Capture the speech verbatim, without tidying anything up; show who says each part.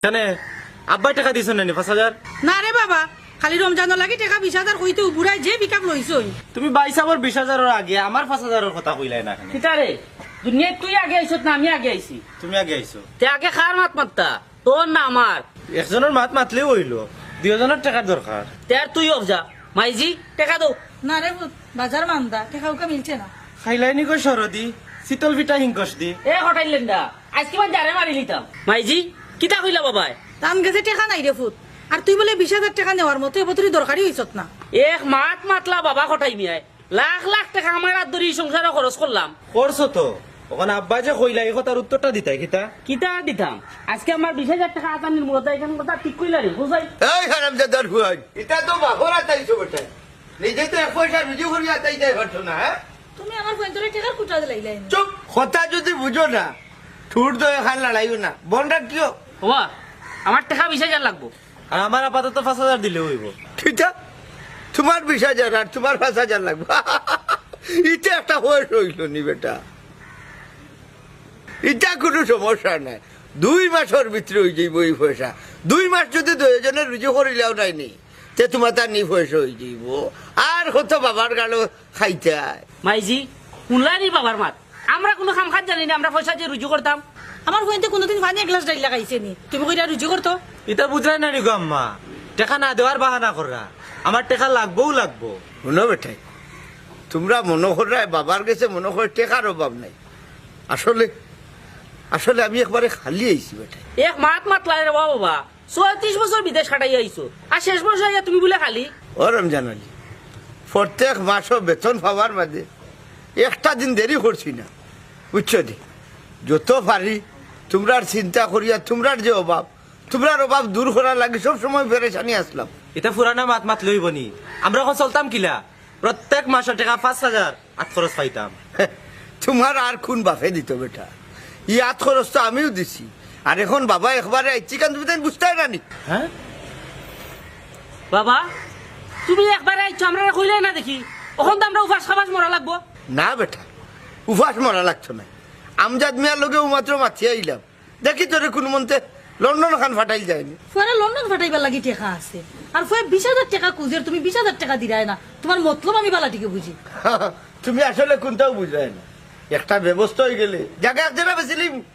Speaker 1: জানে আব্বাই টাকা দিছ না পাঁচ হাজার?
Speaker 2: না রে বাবা, খালি রমজানের লাগি টাকা বিশ হাজার কইতে উবুরাই যে বিকাপ লইছই।
Speaker 1: তুমি বাইসাবর বিশ হাজারের আগে আমার পাঁচ হাজারের কথা কইলাই না।
Speaker 3: কিতারে দুনিয়ায় তুই আগে আইছত না আমি আগে আইছি?
Speaker 1: তুমি আগে আইছো।
Speaker 3: তে আগে খার মাত মাত্তা তোর না আমার?
Speaker 1: একজনের মাত মাতলেও হইলো, দুজনের টাকার দরকার।
Speaker 3: তে আর তুই অফ যা মাইজি টাকা দো।
Speaker 2: না রে পুত, বাজার মান্দা টাকা উকা মিলছে না।
Speaker 1: খাইলাইনি কই সরদি শীতল পিঠা হিংকস দি
Speaker 3: এ হটাইলেন দা আজকে মান জারে মারি লিতাম। মাইজি কিতা কইলা বাবাই?
Speaker 2: দান গেছে টাকা নাই রে পুত, আর তুই বলে বিশ হাজার টাকা নেওয়ার মতো এবার তুই দরকারি হইছত না।
Speaker 3: এক মাত মাতলা বাবা হটাই মিয়ায় লাখ লাখ টাকা আমার হাত ধরে সংসারে খরচ করলাম।
Speaker 1: করছো তো, ওখানে আব্বা যে কইলা এই কথার উত্তরটা দিতাই কিতা?
Speaker 3: কিতা দিতাম আজকে আমার বিশ হাজার টাকা আতানির মূলত এখান কথা ঠিক কইলা রে বুঝাই।
Speaker 4: এই হারামজাদার হুয়াই, এটা তো বাপর আতাইছো বেটা, নিজে তো এক পয়সা রুজি করি আতাই যায় পারছো না। হ্যাঁ
Speaker 2: তুমি আমার পয়েন্টরে টাকা কুটা দিলাইলাই।
Speaker 4: চুপ, কথা যদি বুঝো না ঠুট তো এখান লড়াইও না, বন রাখিও।
Speaker 3: বাবা আমার টাকা বিশ হাজার লাগবো।
Speaker 1: আর আমার আপাতত পাঁচ হাজার দিলে হইব।
Speaker 4: ঠিক আছে, তোমার বিশ হাজার আর তোমার পাঁচ হাজার লাগবে। এটা একটা বয়স হইল নি বেটা, এটা কোনো সমস্যা নাই। দুই মাসের ভিতরে হয়ে যাইব এই পয়সা। দুই মাস যদি দুজনের রুজি করিলেও নাই নি তে তোমার তার নি পয়সা হয়ে যাইব। আর কত বাবার গালো খাইতে আয়।
Speaker 3: মাইজি শুনলানি বাবার মাত, আমরা কোনো খাম খাত জানি না, আমরা পয়সা দিয়ে রুজু করতাম।
Speaker 2: আমার পয়েন্টে কোনোদিন পানি এক গ্লাস ডাইল লাগাইছে নি, তুমি কইরা রুজি করতো?
Speaker 1: এটা বুঝাই না নি গো আম্মা, টাকা না দেওয়ার বাহানা করা। আমার টাকা লাগবও লাগবো।
Speaker 4: শুনো বেটাই, তোমরা মনে করা বাবার কাছে মনে করে টেকার অভাব নাই। আসলে আসলে আমি একবারে খালি আইছি বেটাই।
Speaker 3: এক মাত মাত লাই রে বাবা, ছয়ত্রিশ বছর বিদেশ কাটাই আইছো আর শেষ বছর আইয়া তুমি বলে খালি।
Speaker 4: ও রমজান আলী, প্রত্যেক মাসও বেতন পাওয়ার মাঝে একটা দিন দেরি করছি না, বুঝছো দি? যত পারি তোমরার চিন্তা করিয়া তোমরার যে অভাব, তোমরার অভাব দূর করার লাগে সব সময় পেরেশানি আসলাম।
Speaker 1: এটা ফুরানা মাত মাত লইব নি? আমরা এখন চলতাম কিলা প্রত্যেক মাসের টাকা পাঁচ হাজার আট খরচ পাইতাম।
Speaker 4: তোমার আর কোন বাপে দিত বেটা? ই আট খরচ তো আমিও দিছি। আর এখন বাবা একবারে আইছি কারণ তুমি তাই বুঝতে পারি।
Speaker 1: হ্যাঁ
Speaker 3: বাবা তুমি একবার আইছো আমরা কইলে না দেখি, ওখান তো আমরা উপাস খাবাস মরা লাগবো।
Speaker 4: না বেটা, উপাস মরা লাগতো না। আমজাদ মিয়ার লোকে মাত্র মাথিয়ে আইলাম, দেখি তোরে কোন মন্তে লন্ডন খান ফাটাইল যায়নি।
Speaker 2: ফুয়ারে লন্ডন ফাটাইবার লাগি টাকা আছে, আর ফুয়া বিশ হাজার টাকা কুজের তুমি বিশ হাজার টাকা দিলাই না। তোমার মতলব আমি বালাটিকে বুঝি।
Speaker 4: তুমি আসলে কোনটাও বুঝায় না। একটা ব্যবস্থা হয়ে গেলে জায়গা এক জায়গা বেছিলিম